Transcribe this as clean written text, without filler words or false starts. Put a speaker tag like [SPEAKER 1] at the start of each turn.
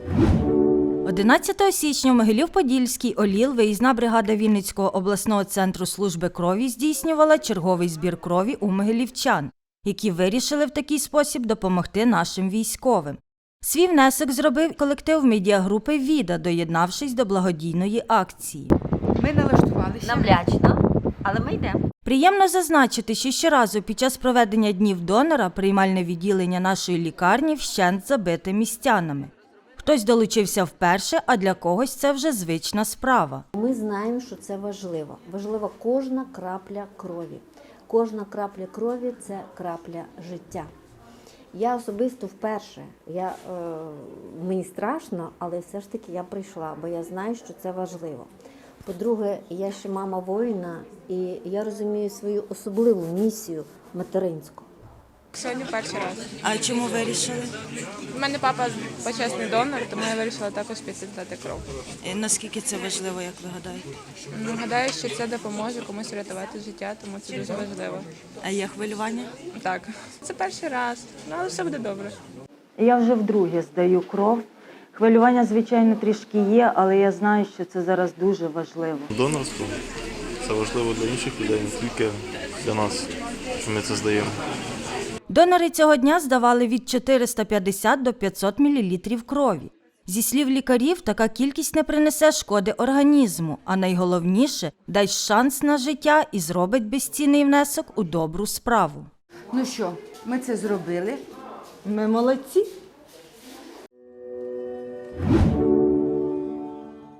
[SPEAKER 1] 11 січня в Могилів-Подільській ОЛІЛ виїзна бригада Вінницького обласного центру служби крові здійснювала черговий збір крові у могилівчан, які вирішили в такий спосіб допомогти нашим військовим. Свій внесок зробив колектив медіагрупи «Віда», доєднавшись до благодійної акції.
[SPEAKER 2] Ми налаштувалися.
[SPEAKER 3] Намлячно, але ми йдемо.
[SPEAKER 1] Приємно зазначити, що щоразу під час проведення Днів донора приймальне відділення нашої лікарні вщент забите містянами. Хтось долучився вперше, а для когось це вже звична справа.
[SPEAKER 4] Ми знаємо, що це важливо. Важлива кожна крапля крові. Кожна крапля крові – це крапля життя. Я особисто вперше, мені страшно, але все ж таки я прийшла, бо я знаю, що це важливо. По-друге, я ще мама воїна, і я розумію свою особливу місію материнську.
[SPEAKER 5] Сьогодні перший раз.
[SPEAKER 1] А чому вирішили?
[SPEAKER 5] У мене папа почесний донор, тому я вирішила також піти здати кров.
[SPEAKER 1] Наскільки це важливо, як ви гадаєте?
[SPEAKER 5] Гадаю, що це допоможе комусь врятувати життя, тому це дуже важливо.
[SPEAKER 1] А є хвилювання?
[SPEAKER 5] Так, це перший раз, але все буде добре.
[SPEAKER 6] Я вже вдруге здаю кров. Хвилювання, звичайно, трішки є, але я знаю, що це зараз дуже важливо.
[SPEAKER 7] Донорство – це важливо для інших людей, не тільки для нас, що ми це здаємо.
[SPEAKER 1] Донори цього дня здавали від 450 до 500 мл крові. Зі слів лікарів, така кількість не принесе шкоди організму, а найголовніше – дасть шанс на життя і зробить безцінний внесок у добру справу.
[SPEAKER 2] Ну що, ми це зробили.
[SPEAKER 6] Ми молодці.